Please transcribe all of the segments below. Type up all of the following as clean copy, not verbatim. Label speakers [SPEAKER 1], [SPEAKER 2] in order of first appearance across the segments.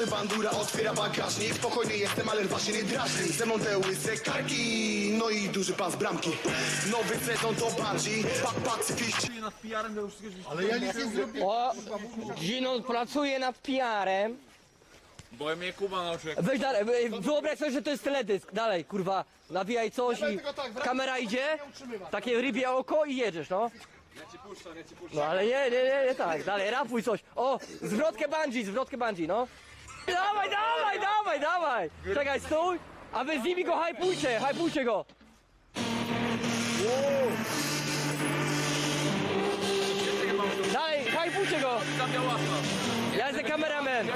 [SPEAKER 1] Młody bandura otwiera bagażnik. Spokojny jestem, ale właśnie nie drażni. Ze mną te łyse karki, no i duży pan z bramki. Nowy sezon to bardziej pacyfiści.
[SPEAKER 2] Ale ja nic nie zrobiłem.
[SPEAKER 3] O, Gino pracuje nad PR-em.
[SPEAKER 4] Bo mnie Kuba nauczył.
[SPEAKER 3] Weź dalej, wyobraź sobie, że to jest teledysk. Dalej, kurwa, nawijaj coś i kamera idzie, takie rybie oko i jedziesz, no. No ale nie, tak, dalej, rapuj coś. O, zwrotkę bungee, no. Dawaj. Czekaj, stój, a wy z nimi go hypujcie go. Dalej, hypujcie go. Ja jestem kameraman.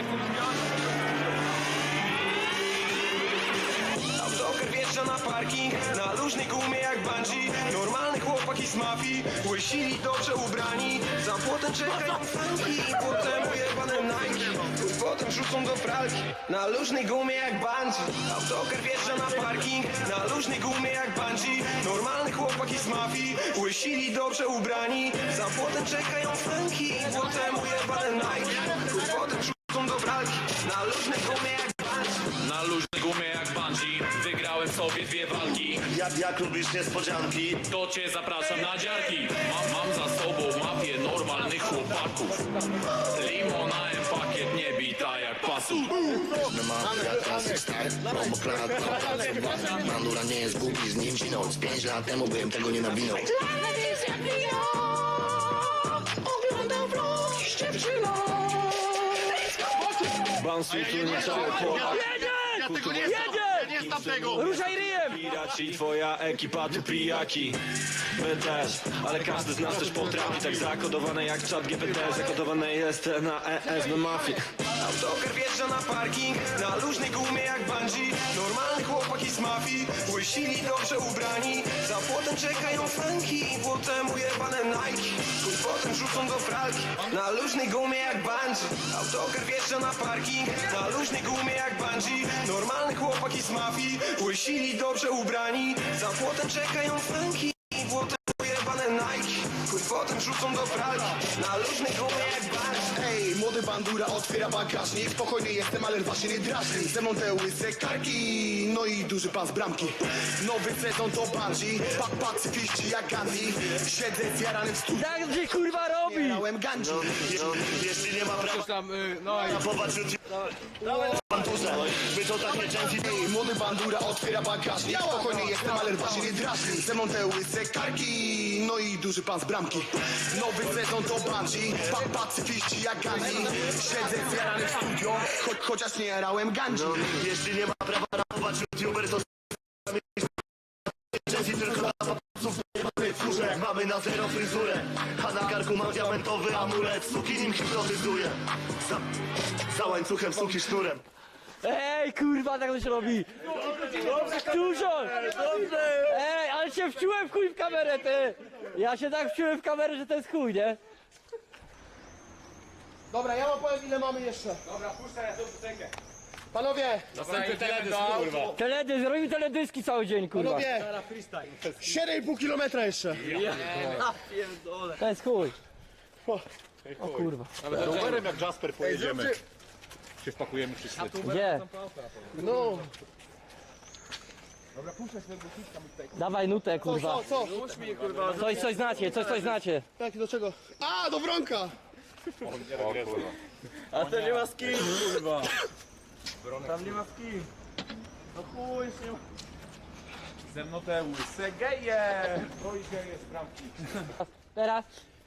[SPEAKER 1] Autokar wjeżdża na parking, na luźnej gumie jak bungee. Normalny chłopaki z mafii, łysili dobrze ubrani. Za płotem czekają franki, potem ujebane Nike. Potem rzucą do pralki, na luźnej gumie jak bungee. Autokar wjeżdża na parking, na luźnej gumie jak bungee. Normalny chłopaki z mafii, łysili dobrze ubrani. Za płotem czekają franki, potem ujebane Nike. Potem rzucą do pralki, na luźnej gumie jak bungee.
[SPEAKER 4] Na luźnej gumie jak bungee wygrałem sobie 2 walki.
[SPEAKER 5] Jak lubisz niespodzianki?
[SPEAKER 4] To cię zapraszam na dziarki. Mam za sobą mafię normalnych chłopaków. Limonałem pakiet nie bita jak pasu.
[SPEAKER 5] Klasy star, Bandura nie jest głupi, z nim sinąc 5 lat temu bym tego nie nawinął. Oglądam vlog z dziewczyną.
[SPEAKER 6] Bansuj tu nie cały Polak.
[SPEAKER 2] Ja tego nie znam. Ja nie znam tego.
[SPEAKER 3] Ruszaj ryjem!
[SPEAKER 6] Piraci, twoja ekipa tu pijaki. My też, ale każdy z nas też potrafi. Tak zakodowane jak czat GPT, zakodowane jest na ES, na mafii.
[SPEAKER 1] Autokar wjeżdża na parking, na luźnej gumie jak bungee. Normalny chłopaki z mafii, łysili dobrze ubrani. Za płotem czekają franki, potem ujebane Nike. Potem rzucą do pralki, na luźnej gumie jak bungee. Autokar wjeżdża na parking, na luźnej gumie jak bungee. Normalny chłopaki z mafii, łysili dobrze ubrani. Za płotem czekają franki, potem ujebane Nike. Potem rzucą do pralki, na luźnej gumie jak bungee. Ej, młody bandura otwiera bagażnik. Spokojny jestem, ale właśnie nie drażni. Ze mną te łyse karki, no i duży pan z bramki. Nowy sezon to bardziej pacyfiści jak Gandhi. Siedzę zjarany w studiu,
[SPEAKER 3] Tak gdzie kurwa robi?
[SPEAKER 1] miałem Gandhi.
[SPEAKER 5] Jeśli nie ma prawa,
[SPEAKER 4] Tam, no i
[SPEAKER 5] popatrz Bandurze, wy to tak nieczęści.
[SPEAKER 1] Ej, młody bandura otwiera bagażnik. Spokojny jestem, ale właśnie nie drażni. Ze mną te łyse karki, no i duży pan z bramki. Nowy sezon to bardziej pacyfiści jak Gandhi. Siedzę zjarany w studio, chociaż nie jarałem Gandhi.
[SPEAKER 5] Jeśli nie ma prawa rapować youtuber, to nieczęści tylko dla papaców nie mamy furze. Mamy na zero fryzurę, a na karku mam diamentowy amulet. Suki nim hipnotyzuje, za łańcuchem suki sznurem.
[SPEAKER 3] Ej, kurwa, tak to się robi! Dużo! Ej, ale się wciąłem w chuj w kamerę, ty! Ja się tak wciąłem w kamerę, że to jest chuj, nie?
[SPEAKER 2] Dobra, ja wam powiem ile mamy jeszcze. Dobra, puszczaj, ja to piosenkę. Panowie,
[SPEAKER 4] następny teledysk, kurwa.
[SPEAKER 3] Teledysk, robimy teledyski cały dzień, kurwa.
[SPEAKER 2] panowie. 7,5 kilometra jeszcze.
[SPEAKER 3] To jest chuj. O kurwa.
[SPEAKER 2] Rowerem jak Jasper pojedziemy.
[SPEAKER 4] Się wpakujemy wszyscy.
[SPEAKER 3] Gdzie?
[SPEAKER 2] No,
[SPEAKER 3] Dawaj nutę, kurwa.
[SPEAKER 2] co?
[SPEAKER 3] Coś znacie.
[SPEAKER 2] Tak, do czego? A, do Wronka.
[SPEAKER 6] A to nie ma z kim, kurwa.
[SPEAKER 4] Ze mną te łyse geje. No i geje z bramki.
[SPEAKER 3] Teraz.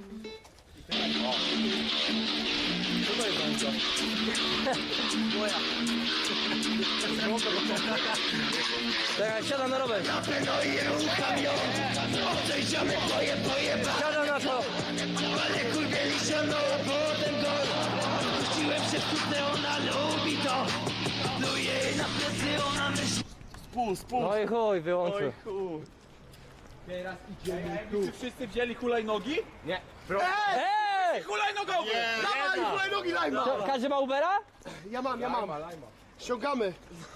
[SPEAKER 3] Czekaj, siadam na rower. Siadam na to. No i chuj, wyłączył.
[SPEAKER 4] Czy wszyscy wzięli hulajnogi? Nie.
[SPEAKER 3] Ej!
[SPEAKER 4] Hulajnogowy!
[SPEAKER 2] Dawaj, hulajnogi lajma.
[SPEAKER 3] Każdy ma Ubera?
[SPEAKER 2] Ja mam. Ściągamy.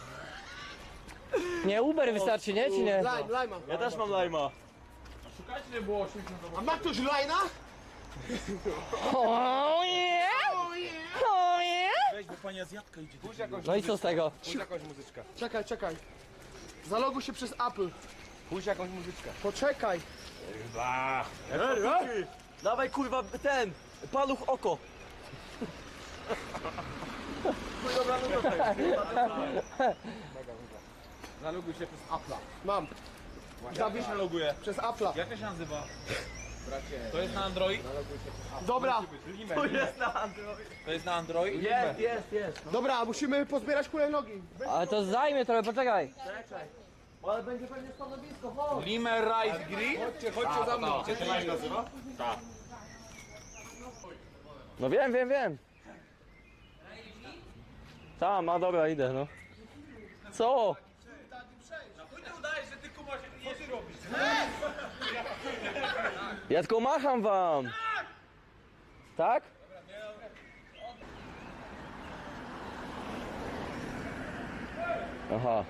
[SPEAKER 3] Nie, Uber wystarczy, nie? Czy nie?
[SPEAKER 2] Lajma.
[SPEAKER 6] Ja też mam lajma.
[SPEAKER 4] Szukajcie, nie było 80
[SPEAKER 2] A ma ktoś lajna?
[SPEAKER 3] Oh yeah! Oh yeah!
[SPEAKER 7] pani Azjatka idzie.
[SPEAKER 3] No i co z tego?
[SPEAKER 2] Puść jakąś muzyczkę. Czekaj. Zaloguj się przez Apple.
[SPEAKER 7] Puść jakąś muzyczkę.
[SPEAKER 2] Poczekaj.
[SPEAKER 3] Dawaj kurwa ten, paluch oko.
[SPEAKER 7] Zaloguj się przez Apple'a.
[SPEAKER 2] Mam.
[SPEAKER 7] Jak się loguje?
[SPEAKER 2] Przez Apple'a.
[SPEAKER 7] Jak to się nazywa? To jest na Android?
[SPEAKER 2] Dobra.
[SPEAKER 7] To jest na Android?
[SPEAKER 3] Jest.
[SPEAKER 2] Dobra, musimy pozbierać hulajnogi.
[SPEAKER 3] Ale to zajmie trochę, poczekaj.
[SPEAKER 2] Ale będzie pewnie stanowisko, chodź.
[SPEAKER 7] Limer Rice Grill?
[SPEAKER 2] Chodźcie za mną.
[SPEAKER 7] Jak to się nazywa?
[SPEAKER 3] No wiem. Tam, a dobra, idę, no. Co? Ja tylko macham wam. Tak? Aha.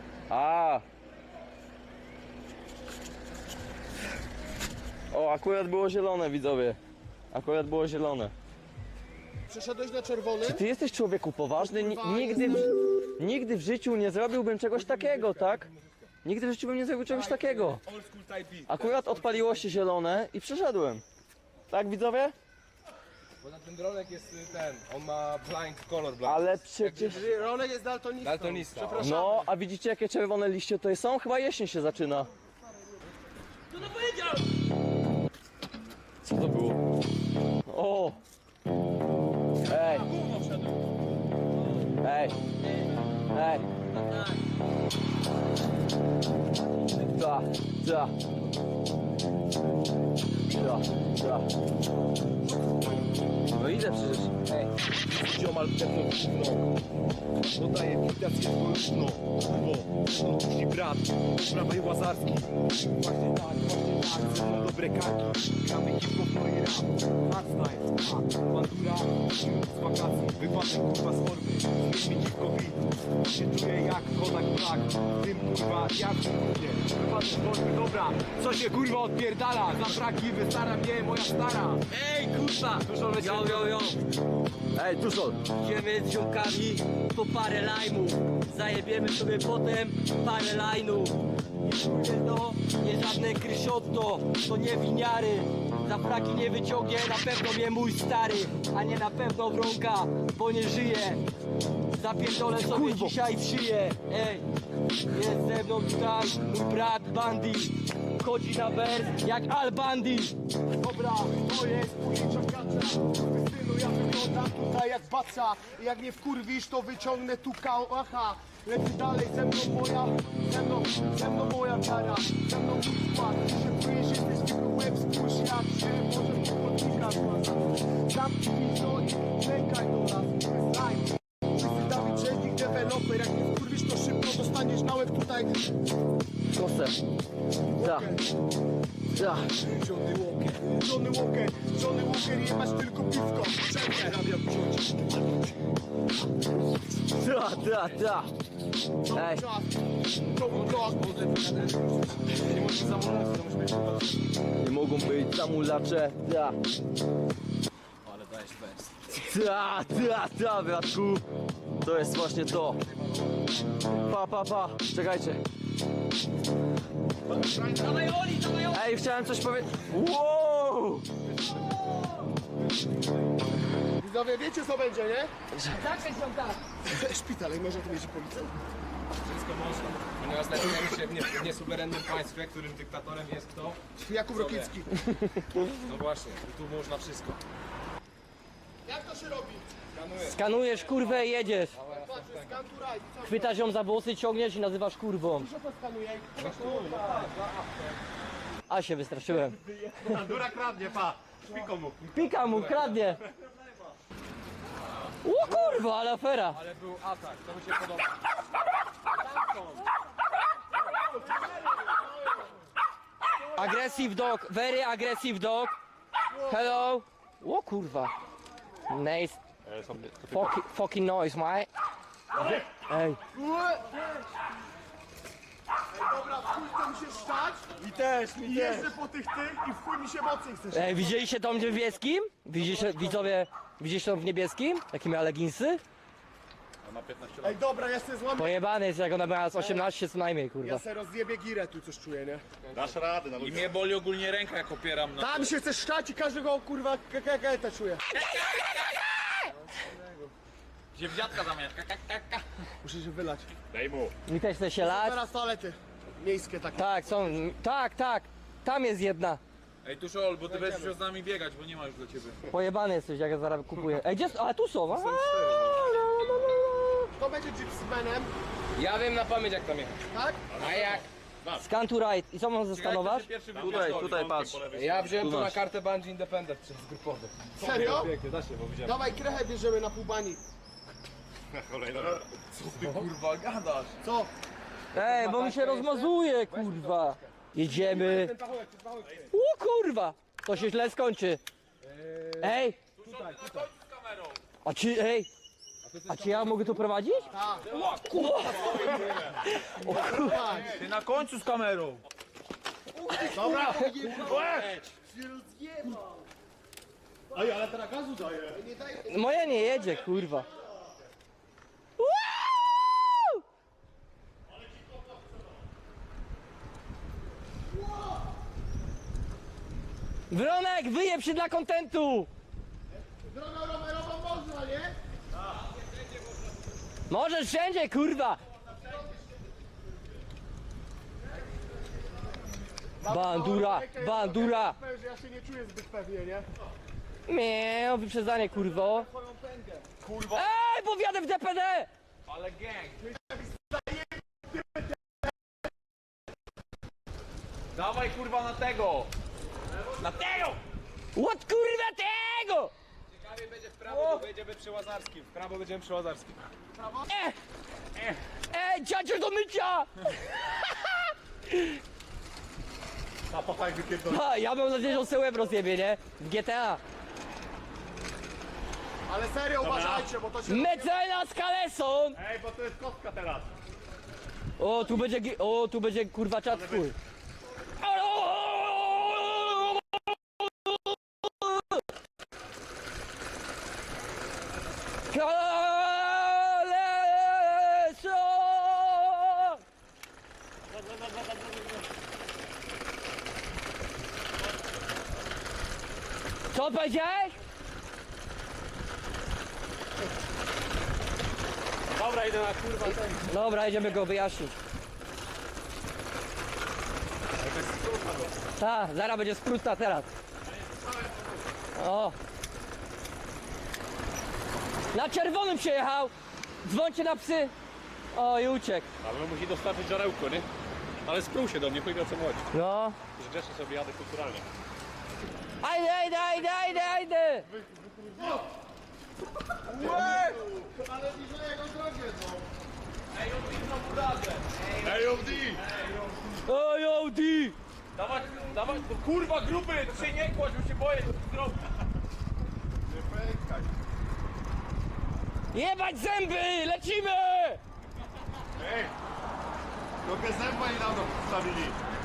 [SPEAKER 3] O, akurat było zielone, widzowie. Akurat było zielone.
[SPEAKER 2] Przeszedłeś na czerwony?
[SPEAKER 3] Ty jesteś człowieku poważny? Nigdy w życiu nie zrobiłbym czegoś takiego, tak? Nigdy w życiu bym nie zrobił czegoś takiego. Akurat odpaliło się zielone i przeszedłem. Tak, widzowie?
[SPEAKER 7] Bo na ten dronek jest on ma blind color blind.
[SPEAKER 3] Ale przecież...
[SPEAKER 2] Ronek jest daltonistą.
[SPEAKER 7] Daltonista.
[SPEAKER 2] Przepraszam.
[SPEAKER 3] No, a widzicie jakie czerwone liście to są? Chyba jesień się zaczyna. Co to było? O! Ej! Da. No idę przecież.
[SPEAKER 5] Ziomal pewno gówno. Dodaję widać jest głośno. Bo musi brat, prawej łazarski. Właśnie tak, ze mną dobre karki. Gramy hip-hop, no i rap. Hardstyle, bandura, z wakacji. Wypadek kurwa z formy, zmień mi dziwko beat. Się czuję jak Kodak Black. Tym kurwa, jak w kurwie. Wypadek z formy, dobra. Co się kurwa odpierdala? Za braki wystara mnie moja stara.
[SPEAKER 3] Ej, kurwa! Jo. Ej, Tuszol! Idziemy z ziomkami po parę lajmów. Zajebiemy sobie potem parę lajnów. Nie żadne krysiotto, to nie winiary. Za fraki nie wyciągnie, na pewno mnie mój stary. A nie na pewno wronka, bo nie żyje. Zapierdolę sobie dzisiaj w szyję. Ej, jest ze mną tutaj mój brat Bandy. Chodzi na wers jak Al Bandy.
[SPEAKER 2] Dobra, to jest późniejsza kacza. Synu, ja wyglądam tutaj jak baca. Jak nie wkurwisz, to wyciągnę tu kałacha. Leci dalej ze mną moja wiara. Ze mną mój skład. Się czujesz, jesteś tylko łeb, spójrz jak się może podnika złaza. Zamknij pizdo i czekaj do nas. Slime. Wszyscy Dawid Brzeźnik, deweloper. Jak nie wkurwisz, to szybko dostaniesz na łeb tutaj.
[SPEAKER 3] Kosę. Da.
[SPEAKER 2] Johnny Walker, jebać tylko piwko. Czekaj, rabia wziąć.
[SPEAKER 3] Da. Ej,
[SPEAKER 2] To był blok.
[SPEAKER 3] nie mogą być zamulacze. Da.
[SPEAKER 7] Ale dajesz bez.
[SPEAKER 3] Da, bratku. To jest właśnie to. Pa. Czekajcie. Ej, chciałem coś powiedzieć. Wow!
[SPEAKER 2] Widzowie, wiecie co będzie, nie? Szpital, i może tu jeździ policja.
[SPEAKER 7] Wszystko można. Ponieważ znajdujemy się w niesuwerennym państwie, którym dyktatorem jest kto?
[SPEAKER 2] Jakub Rokicki.
[SPEAKER 7] No właśnie, i tu można wszystko.
[SPEAKER 2] Jak to się robi?
[SPEAKER 3] Skanujesz kurwę i jedziesz.
[SPEAKER 2] Patrz, scan to right. Co
[SPEAKER 3] Chwytasz ją za włosy, ciągniesz i nazywasz kurwą.
[SPEAKER 2] to skanuje?
[SPEAKER 3] A się wystraszyłem.
[SPEAKER 5] Dura kradnie, pa.
[SPEAKER 3] Pika mu, kradnie. O kurwa, ale afera.
[SPEAKER 7] Ale był atak, to mi się podoba.
[SPEAKER 3] Aggressive dog, very aggressive dog. Hello. O kurwa. Nice. Fucking noise, mate. Ej.
[SPEAKER 2] Dobra, w chuj chce mi się szczać.
[SPEAKER 5] Mi też.
[SPEAKER 2] I jeżdżę po tych i w chuj mi się mocniej chcesz.
[SPEAKER 3] Ej, widzieliście to w niebieskim? Widzowie, widzieliście to w niebieskim? Jakie miała leginsy?
[SPEAKER 2] Ej, dobra, ja sobie złamię.
[SPEAKER 3] Pojebany jest, jak ona miała z 18 co najmniej,
[SPEAKER 2] Ja
[SPEAKER 3] kurwa.
[SPEAKER 2] sobie rozjebię girę, tu coś czuję, nie?
[SPEAKER 7] I mnie boli ogólnie ręka, jak opieram na...
[SPEAKER 2] Tam się chce szczać i każdego kurwa kakaketa czuję.
[SPEAKER 7] Gdzie wdziadka zamiast.
[SPEAKER 2] Muszę się wylać.
[SPEAKER 3] Mi też chce się lać.
[SPEAKER 2] Teraz toalety miejskie takie.
[SPEAKER 3] Tak, są, tak. Tam jest jedna.
[SPEAKER 7] Ej, Tuszol, bo ty będziesz musiał z nami biegać, bo nie ma już do ciebie.
[SPEAKER 3] Pojebany jesteś, jak ja zaraz kupuję. Ej, gdzie, a tu są,
[SPEAKER 2] Kto będzie gypsymanem,
[SPEAKER 7] Ja wiem na pamięć, jak tam jechać.
[SPEAKER 2] tak?
[SPEAKER 7] A jak?
[SPEAKER 3] Scan to right. I co mam zeskanować?
[SPEAKER 7] Tutaj patrz. Ja wziąłem to na kartę Bungie Independent przez grupowy.
[SPEAKER 2] Serio?
[SPEAKER 7] Pięknie, da się, bo widziałem.
[SPEAKER 2] Dawaj krechę bierzemy na pół bani.
[SPEAKER 7] Ty kurwa gadasz.
[SPEAKER 2] Co?
[SPEAKER 3] Ej, bo mi się rozmazuje, kurwa. Jedziemy. O kurwa, to się źle skończy. Ej. A czy ja mogę to prowadzić?
[SPEAKER 7] Ty na końcu z kamerą.
[SPEAKER 3] Moja nie jedzie, kurwa. Woo! Wronek, wyjeb się dla kontentu!
[SPEAKER 2] Drogą rowerową można, nie?
[SPEAKER 3] Możesz wszędzie, kurwa! Bandura, bandura!
[SPEAKER 2] Powiem, że ja się nie czuję zbyt pewnie, nie?
[SPEAKER 3] Miau, wyprzedzanie, kurwo. Ej, bo wjadę w DPD!
[SPEAKER 7] Ale gang. Dawaj kurwa na tego. Na tego!
[SPEAKER 3] What kurwa tego?
[SPEAKER 7] Ciekawie będzie w prawo, bo będziemy przy Łazarskim. W prawo będziemy przy Łazarskim.
[SPEAKER 3] Ej, ciacier do mycia! Ha, ja mam nadzieję, że on se łeb rozjebie, nie? W GTA.
[SPEAKER 2] Ale serio uważajcie, bo to się...
[SPEAKER 3] Mecenas Kaleson!
[SPEAKER 5] Ej, bo to jest kostka teraz.
[SPEAKER 3] O, tu będzie kurwa czat twój. Kaleson! Co powiedziałeś?
[SPEAKER 5] Dobra, idę na kurwa ten.
[SPEAKER 3] Dobra, idziemy go wyjaśnić. Tak, zaraz będzie skrótna teraz. O. Na czerwonym przejechał. Dzwońcie na psy. O, i uciekł.
[SPEAKER 5] Ale musi dostarczyć żarełko, nie? Ale sprół się do mnie, powiedział o co mu chodzi.
[SPEAKER 3] No.
[SPEAKER 5] Że grzecznie sobie jadę kulturalnie.
[SPEAKER 3] Ajde!
[SPEAKER 2] Ale bliżej jego drogę, no.
[SPEAKER 3] Oj, Audi!
[SPEAKER 7] Dawaj, dawaj, no kurwa grupy, to się nie kładź, bo się boję, co ty zrobisz.
[SPEAKER 3] Jebać zęby! Lecimy!
[SPEAKER 5] Trochę zęba i dawno wstawili.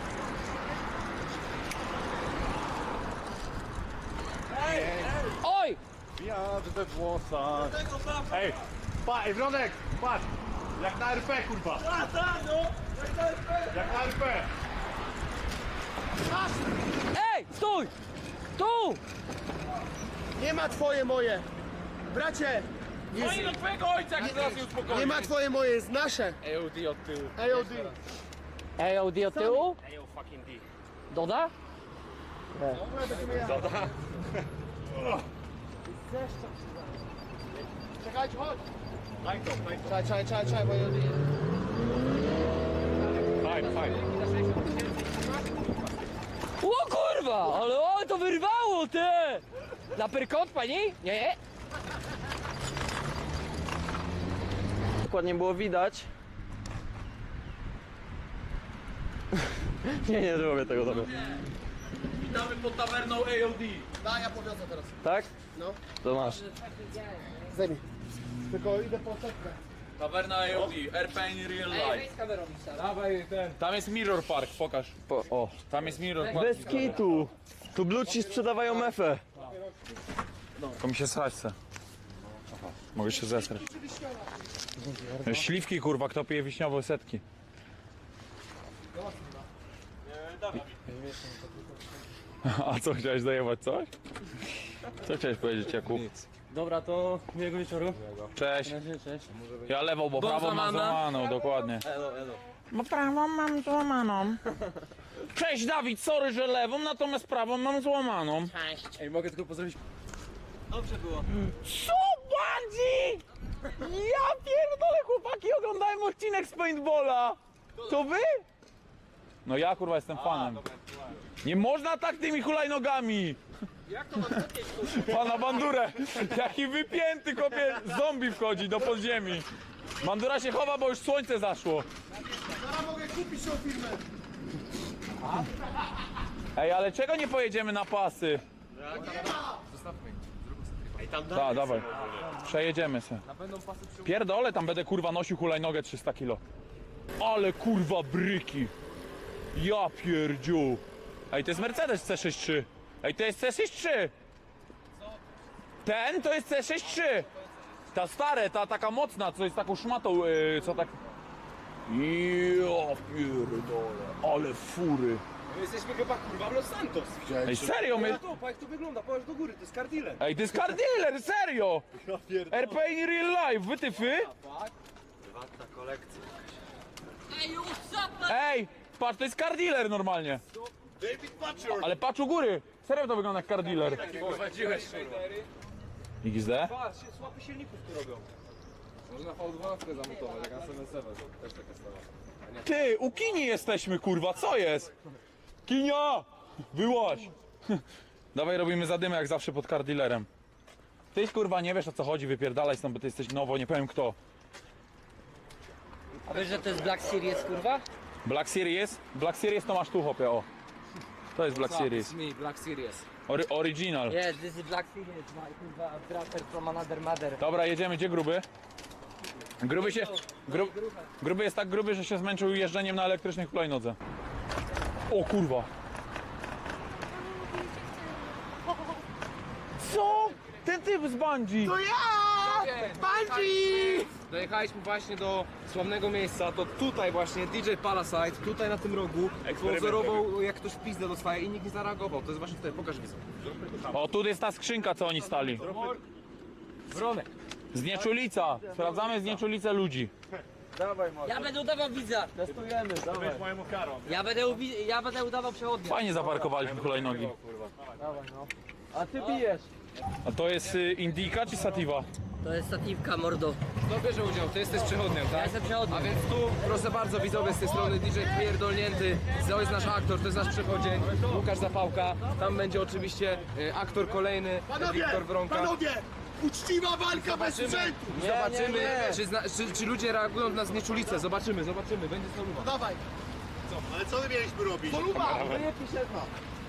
[SPEAKER 3] Oj!
[SPEAKER 5] Wiatr we włosach. Ej, ej Wronek, patrz. Jak na RP, kurwa. Jak na RP.
[SPEAKER 3] Ej, stój! Tu!
[SPEAKER 2] Nie ma twoje moje. Bracie,
[SPEAKER 7] No i do twojego ojca, jak zaraz nie uspokoi.
[SPEAKER 2] nie ma twoje moje, jest nasze.
[SPEAKER 7] AOD od tyłu.
[SPEAKER 2] AOD.
[SPEAKER 3] AOD od tyłu? Doda?
[SPEAKER 2] Czekajcie, chodź.
[SPEAKER 5] Fajnie,
[SPEAKER 2] Czekaj, bo AOD.
[SPEAKER 5] fajnie.
[SPEAKER 3] O kurwa! Ale o, to wyrwało, ty! Na pyrkot, pani? Nie?
[SPEAKER 8] Dokładnie było widać. nie zrobię tego dobra.
[SPEAKER 7] Witamy pod tawerną AOD.
[SPEAKER 2] Da, ja powiozę teraz.
[SPEAKER 8] Tak?
[SPEAKER 2] No.
[SPEAKER 8] To masz.
[SPEAKER 2] Zajmij. Tylko idę po setkę.
[SPEAKER 7] Tawerna AOD, RP in real life. Dawaj ten. Tam jest Mirror Park, pokaż.
[SPEAKER 8] O.
[SPEAKER 7] Tam jest Mirror Park.
[SPEAKER 8] Bez kitu. Tu bluci sprzedawają mefę.
[SPEAKER 7] To mi się srać chce.
[SPEAKER 9] Mogę się zesrać. Śliwki kurwa, kto pije wiśniowe setki? A co, chciałeś zajebać coś? Co chciałeś powiedzieć, Jakub?
[SPEAKER 3] Dobra, to miłego wieczoru.
[SPEAKER 9] Cześć.
[SPEAKER 3] Cześć.
[SPEAKER 9] Ja lewą, bo prawą mam złamaną, dokładnie. Bo prawą mam złamaną. Cześć Dawid, sorry, że lewą, natomiast prawą mam złamaną.
[SPEAKER 3] Ej, mogę tylko pozdrowić.
[SPEAKER 9] Co bandzi? Ja pierdolę, chłopaki, oglądałem odcinek z paintballa. To wy? No ja kurwa jestem fanem. Nie można tak tymi hulajnogami. Jak to Pana bandurę. Jaki wypięty kopie, zombie wchodzi do podziemi. Bandura się chowa, bo już słońce zaszło.
[SPEAKER 2] Zaraz mogę kupić tą firmę.
[SPEAKER 9] Ej, ale czego nie pojedziemy na pasy? Tak, dawaj. Przejedziemy se. Pierdolę, tam będę kurwa nosił hulajnogę 300 kilo. Ale kurwa bryki. Ja pierdziu. Ej, to jest Mercedes C63. Ej, to jest C63. Ten to jest C63. Ta stare, ta taka mocna, co jest taką szmatą, co tak... Ja pierdolę, ale fury.
[SPEAKER 7] My jesteśmy chyba kurwa w Los Santos.
[SPEAKER 9] Ej, serio, my...
[SPEAKER 7] To, jak to wygląda, powiedz do góry, to jest car dealer.
[SPEAKER 9] Ej, to jest car dealer, serio! RP in real life, wytyfy? Ej, patrz, to jest car dealer normalnie. Ale patrz u góry, serio to wygląda jak car dealer.
[SPEAKER 7] Prowadziłeś
[SPEAKER 9] XD?
[SPEAKER 7] Patrz, słapy silników tu robią. Można V12 zamontować, jak na 7.7, też taka sprawa.
[SPEAKER 9] Ty, u Kini jesteśmy, kurwa, co jest? Kinia! Wyłaź! Dawaj, robimy zadymę jak zawsze pod car dealerem. Ty, kurwa, nie wiesz o co chodzi, wypierdalaj stąd, bo ty jesteś nowo, nie powiem kto.
[SPEAKER 3] A wiesz, że to jest Black Series, kurwa?
[SPEAKER 9] Black Series? Black Series to masz tu, hopie, o. To jest Black Series.
[SPEAKER 7] Me, Black Series.
[SPEAKER 9] Original.
[SPEAKER 3] Yes, this is Black Series, my kurwa brother from another mother.
[SPEAKER 9] Dobra, jedziemy, gdzie gruby? Gruby się... Gruby jest tak gruby, że się zmęczył jeżdżeniem na elektrycznych hulajnodze. O kurwa. Co? Ten typ z bungee!
[SPEAKER 2] To ja! Bandzi!
[SPEAKER 7] Dojechaliśmy właśnie do sławnego miejsca, to tutaj właśnie DJ Palasite, tutaj na tym rogu, pozorował jak ktoś w pizdę dostaje i nikt nie zareagował. To jest właśnie tutaj, pokaż widzę.
[SPEAKER 9] O, tu jest ta skrzynka, co oni stali.
[SPEAKER 7] Wronek.
[SPEAKER 9] Znieczulica. Sprawdzamy znieczulicę ludzi.
[SPEAKER 3] Ja będę udawał widza.
[SPEAKER 2] Testujemy, dawaj.
[SPEAKER 3] Ja będę udawał przewodnia.
[SPEAKER 9] Fajnie zaparkowaliśmy hulajnogi.
[SPEAKER 2] A ty bijesz.
[SPEAKER 9] A to jest Indica czy Sativa?
[SPEAKER 3] To jest statiwka, mordo.
[SPEAKER 7] Kto bierze udział? Ty jesteś przechodniem, tak?
[SPEAKER 3] Ja jestem przechodnim.
[SPEAKER 7] A więc tu, proszę bardzo, widzowie z tej strony DJ pierdolnięty, to jest nasz aktor, to jest nasz przechodzień, Łukasz Zapałka, tam będzie oczywiście aktor kolejny, Wiktor Wronka.
[SPEAKER 2] Panowie! Uczciwa walka bez sprzętu!
[SPEAKER 7] Zobaczymy, czy ludzie reagują na znieczulicę, zobaczymy, będzie soluba.
[SPEAKER 2] Dawaj. Ale co my mieliśmy robić? Poluba! Wyjebki szefa.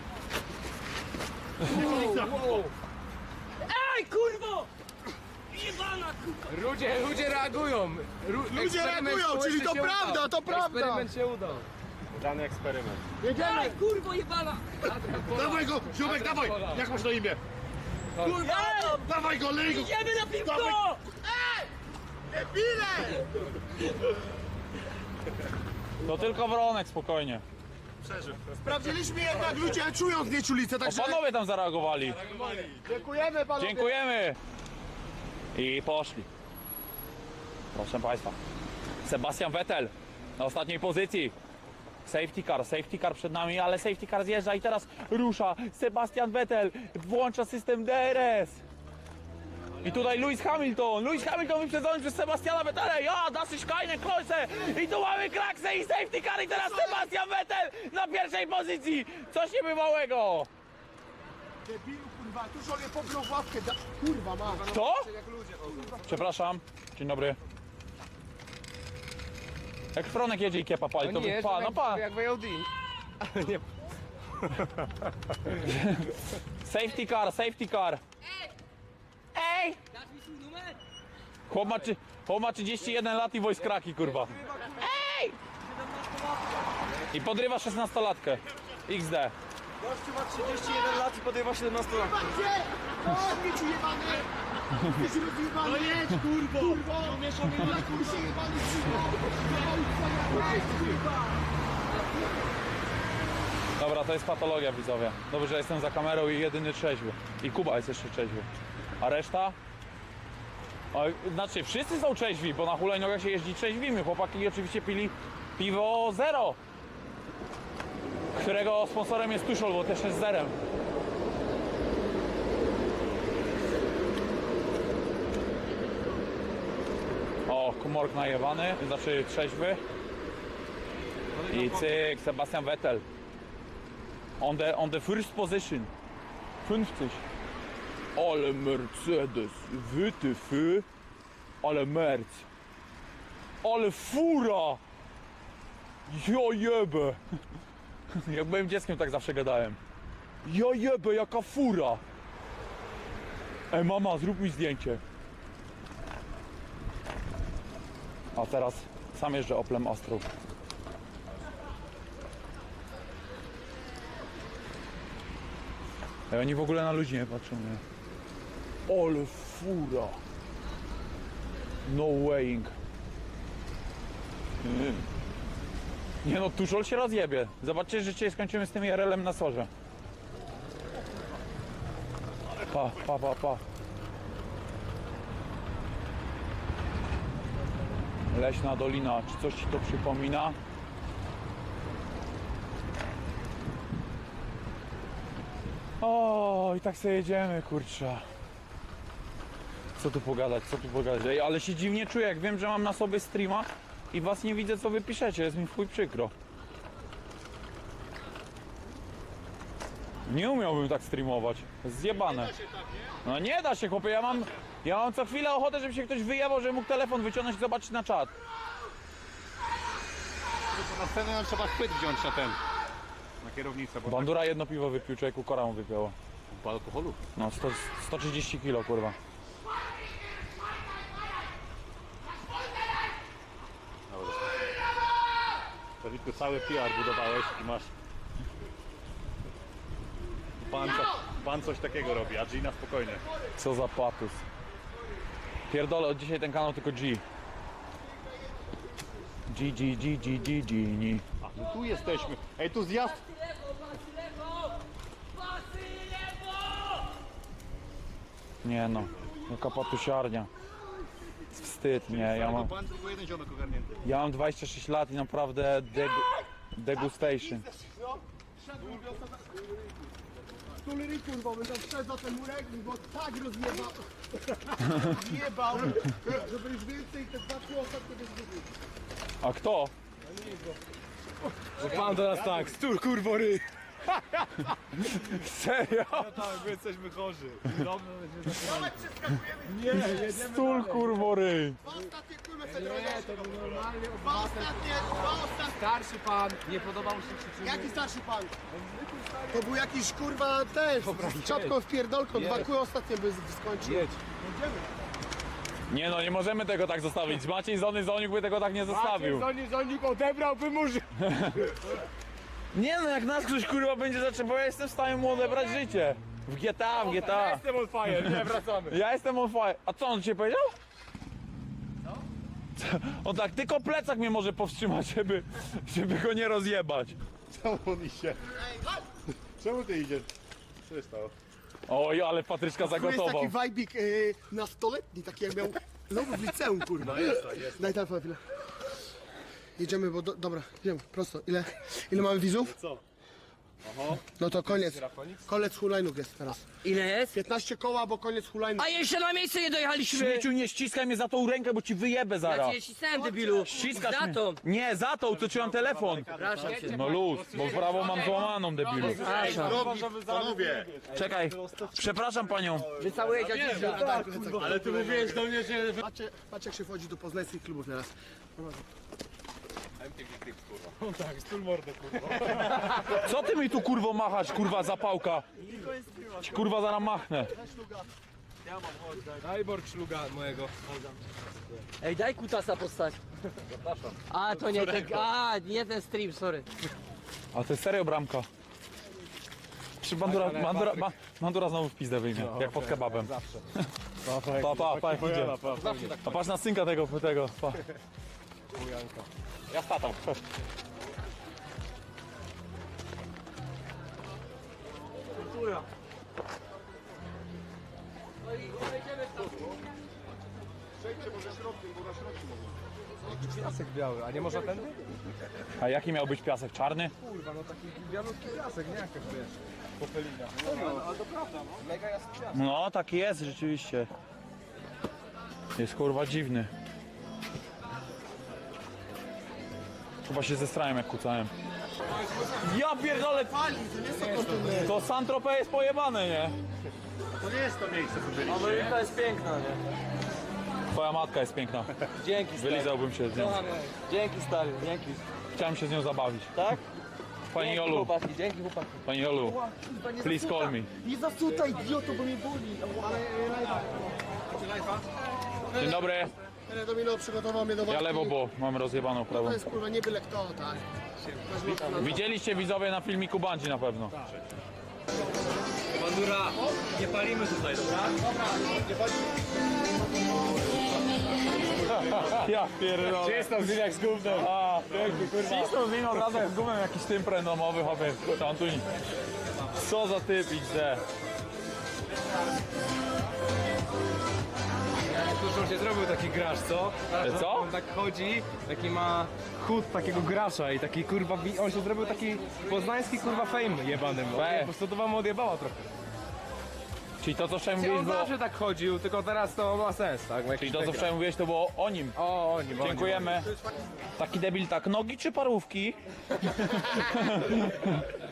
[SPEAKER 3] Ej, kurwo! Jebana, kurwa!
[SPEAKER 7] Ludzie reagują!
[SPEAKER 2] Ludzie reagują, czyli to prawda, to prawda!
[SPEAKER 7] Eksperyment się udał.
[SPEAKER 2] Jedziemy!
[SPEAKER 3] Ej, kurwo, jebana!
[SPEAKER 2] Dawaj go! Ziomek, dawaj! Jak masz na imię?
[SPEAKER 3] Kurwa!
[SPEAKER 2] Dawaj go, lej go!
[SPEAKER 3] Idziemy na piwko!
[SPEAKER 2] Debile!
[SPEAKER 9] To tylko Wronek, spokojnie.
[SPEAKER 2] Sprawdziliśmy jednak, ludzie czują znieczulicę,
[SPEAKER 9] O,
[SPEAKER 2] także...
[SPEAKER 9] panowie tam zareagowali.
[SPEAKER 2] Dziękujemy panowie!
[SPEAKER 9] Dziękujemy. I poszli. Proszę Państwa. Sebastian Vettel na ostatniej pozycji. Safety car przed nami, ale safety car zjeżdża i teraz rusza. Sebastian Vettel włącza system DRS. I tutaj Lewis Hamilton wyprzedzony przez Sebastiana Vettela. Ja, das ist keine Kreuze. I tu mamy kraksę i safety car i teraz Sebastian Vettel na pierwszej pozycji. Coś niebywałego.
[SPEAKER 2] Debilu, kurwa, tu sobie pobrał w ławkę, kurwa ma.
[SPEAKER 9] Kto? Przepraszam. Dzień dobry. Jak Fronek jedzie i kiepa pali, to by pa, no pa.
[SPEAKER 7] Jak w AOD.
[SPEAKER 9] Safety car. Ej!
[SPEAKER 3] Dasz mi swój numer?
[SPEAKER 9] Chłop ma 31 lat i voice cracki, kurwa. Ej! I podrywa 16-latkę. XD.
[SPEAKER 2] Gościu ma 31 lat i podejma 17 lat. Gdzie? O, ci jebany! Jesteś rozjebany! No jedź, kurwo! Kurwo! No mieszamy na kursie jebany
[SPEAKER 9] Dobra, to jest patologia, widzowie. Dobrze, że jestem za kamerą i jedyny trzeźwy. I Kuba jest jeszcze trzeźwy. A reszta? Znaczy, wszyscy są trzeźwi, bo na hulajnogach się jeździ trzeźwimy. Chłopaki oczywiście pili piwo zero, którego sponsorem jest Tuszol, bo też jest zerem. O, Kumork najebany, znaczy trzeźwy. I cyk, Sebastian Vettel. On the first position. 50. Ale Mercedes, WTF. Ale Merc. Ale fura. Ja jebę. Jak byłem dzieckiem, tak zawsze gadałem. Ja jebę, jaka fura. Ej mama, zrób mi zdjęcie. A teraz sam jeżdżę Oplem Astrą. Ej, oni w ogóle na ludzi nie patrzą, nie? Ale fura. No weighing. Nie no, Tuszol się rozjebie. Zobaczcie, że dzisiaj skończymy z tym IRL-em na sorze. Pa. Leśna Dolina, czy coś ci to przypomina? O, i tak sobie jedziemy, kurczę. Co tu pogadać? Ej, ale się dziwnie czuję, jak wiem, że mam na sobie streama i was nie widzę, co wy piszecie. Jest mi w chuj przykro. Nie umiałbym tak streamować. Zjebane. No nie da się, chłopie. Ja mam co chwilę ochotę, żeby się ktoś wyjebał, żeby mógł telefon wyciągnąć i zobaczyć na czat.
[SPEAKER 5] Na scenę nam trzeba chwyt wziąć na ten. Na kierownicę, bo
[SPEAKER 9] Bandura jedno piwo wypił, człowieku, kora mu wypięło.
[SPEAKER 5] po alkoholu.
[SPEAKER 9] No, 130 kilo, kurwa.
[SPEAKER 5] To tylko cały PR budowałeś i masz... Pan coś takiego robi, a Gina spokojnie.
[SPEAKER 9] Co za patus. Pierdolę, od dzisiaj ten kanał tylko G. G.
[SPEAKER 5] A, no tu jesteśmy. Ej, tu zjazd.
[SPEAKER 9] Nie no, jaka patusiarnia. Wstyd, nie,
[SPEAKER 5] Pan tylko jeden ziomek ogarnięty.
[SPEAKER 9] ja mam 26 lat i naprawdę degustation.
[SPEAKER 2] Stulery, kurwa, będę wszedł za ten murek, bo tak rozjebał. Jebał, żeby już więcej te dwa trzy ostatnie bez zgubił.
[SPEAKER 9] A kto?
[SPEAKER 5] Pan do nas tak, stur kurwory.
[SPEAKER 9] Serio?
[SPEAKER 5] Tak, my jesteśmy chorzy.
[SPEAKER 9] Stul kurwory.
[SPEAKER 2] Dwa ostatnie kurwa Fedronie. Dwa ostatnie.
[SPEAKER 7] Starszy pan, nie podobał się czy
[SPEAKER 2] Jaki starszy pan? To był jakiś kurwa też, z czapką w pierdolką, dwa kły ostatnie by skończył.
[SPEAKER 7] Jedź.
[SPEAKER 9] Nie no, nie możemy tego tak zostawić. Maciej Zoniuk by tego tak nie zostawił.
[SPEAKER 2] Zonik odebrałby murzy.
[SPEAKER 9] Nie no, jak nas ktoś kurwa będzie zaczął, bo ja jestem w stanie mu odebrać życie. W GTA.
[SPEAKER 5] Jestem on fire, nie, wracamy.
[SPEAKER 9] Ja jestem on fire. A co on ci powiedział? Co? On tak, tylko plecak mnie może powstrzymać, żeby go nie rozjebać.
[SPEAKER 5] Czemu on idzie? Czemu ty idziesz? Co się stało?
[SPEAKER 9] Oj, ale Patryczka
[SPEAKER 2] To jest
[SPEAKER 9] zagotował.
[SPEAKER 2] taki wajbik nastoletni, taki jak miał w liceum kurwa. Daj telefon chwilę. Jedziemy, bo dobra, idziemy, prosto. Ile mamy widzów?
[SPEAKER 5] Co?
[SPEAKER 2] No to koniec. Koniec hulajnóg jest teraz.
[SPEAKER 3] Ile jest?
[SPEAKER 2] 15 koła, bo koniec hulajnóg.
[SPEAKER 3] A jeszcze na miejsce nie dojechaliśmy!
[SPEAKER 9] Śmieciu, nie ściskaj mnie za tą rękę, bo ci wyjebę
[SPEAKER 3] Ja
[SPEAKER 9] zaraz.
[SPEAKER 3] cię ścisnąłem, debilu!
[SPEAKER 9] Ściskasz
[SPEAKER 3] Za
[SPEAKER 9] mnie.
[SPEAKER 3] to!
[SPEAKER 9] Nie, za tą, co trzymam telefon.
[SPEAKER 3] Przepraszam cię.
[SPEAKER 9] No luz, bo prawo mam złamaną, debilu.
[SPEAKER 3] Przepraszam.
[SPEAKER 5] Panowie!
[SPEAKER 9] Czekaj, przepraszam panią.
[SPEAKER 3] Wycałuję dziadzicza.
[SPEAKER 5] Ale ty mówiłeś do mnie, że...
[SPEAKER 2] Patrzcie jak się wchodzi do poznańskich klubów teraz.
[SPEAKER 5] Tak, stul mordę, kurwa.
[SPEAKER 9] Co ty mi tu kurwo machać, kurwa zapałka? Ci kurwa zaraz machnę.
[SPEAKER 7] Daj Borg szluga mojego.
[SPEAKER 3] Ej, daj kutasa postać. Zapraszam. A, to nie ten, nie ten stream, sorry.
[SPEAKER 9] A to jest serio bramka. Czy Bandura znowu w pizdę wyjmie, jak pod kebabem. Pa, jak idzie. A patrz na synka tego, pa. Ja z tatą.
[SPEAKER 7] Piasek biały, a nie można tędy?
[SPEAKER 9] A jaki miał być piasek? Czarny?
[SPEAKER 7] Kurwa, no taki bialutki piasek, nie jakaś wiesz. Popelina. Ale to prawda, no. Mega jasny piasek.
[SPEAKER 9] No, taki jest rzeczywiście. Jest kurwa dziwny. Chyba się zestrałem jak kucałem. Ja pierdolę! To Saint-Tropez jest pojebane, nie?
[SPEAKER 3] Ameryka jest piękna, nie?
[SPEAKER 9] Twoja matka jest piękna.
[SPEAKER 3] Dzięki stary.
[SPEAKER 9] Wylizałbym się z nią.
[SPEAKER 3] Dzięki stary, dzięki.
[SPEAKER 9] Chciałem się z nią zabawić.
[SPEAKER 3] Tak?
[SPEAKER 9] Pani
[SPEAKER 3] Dzięki
[SPEAKER 9] Jolu,
[SPEAKER 3] chłopaki, dzięki chłopaki.
[SPEAKER 9] pani Jolu, please call me.
[SPEAKER 2] Nie zasutaj, idioto, bo mnie boli.
[SPEAKER 9] Dzień dobry.
[SPEAKER 2] Domino przygotował mnie do
[SPEAKER 9] Ja
[SPEAKER 2] walki.
[SPEAKER 9] lewo, bo mam rozjebaną prawą.
[SPEAKER 2] To jest kurwa nie byle kto, tak.
[SPEAKER 9] Widzieliście widzowie na filmiku Bandzi na pewno.
[SPEAKER 3] Bandura, nie palimy tutaj, dobra?
[SPEAKER 9] Ja pierdolę.
[SPEAKER 5] Czysto z jak z gównem.
[SPEAKER 9] A, cisną wino od razu jak z gumem jakiś tym domowy, chłopie. Antoni. Co za typ XD.
[SPEAKER 7] Tuż on się zrobił taki gracz, co?
[SPEAKER 9] Co?
[SPEAKER 7] On tak chodzi, taki ma chód takiego gracza i taki kurwa, on się zrobił taki poznański kurwa fame jebany. Po prostu to wam odjebała trochę.
[SPEAKER 9] Czyli to co wczoraj
[SPEAKER 7] On
[SPEAKER 9] mówiłeś było...
[SPEAKER 7] zawsze tak chodził, tylko teraz to ma sens, tak?
[SPEAKER 9] Czyli to co wczoraj mówiłeś to było o nim.
[SPEAKER 7] O, oni,
[SPEAKER 9] Dziękujemy. Taki debil tak, nogi czy parówki?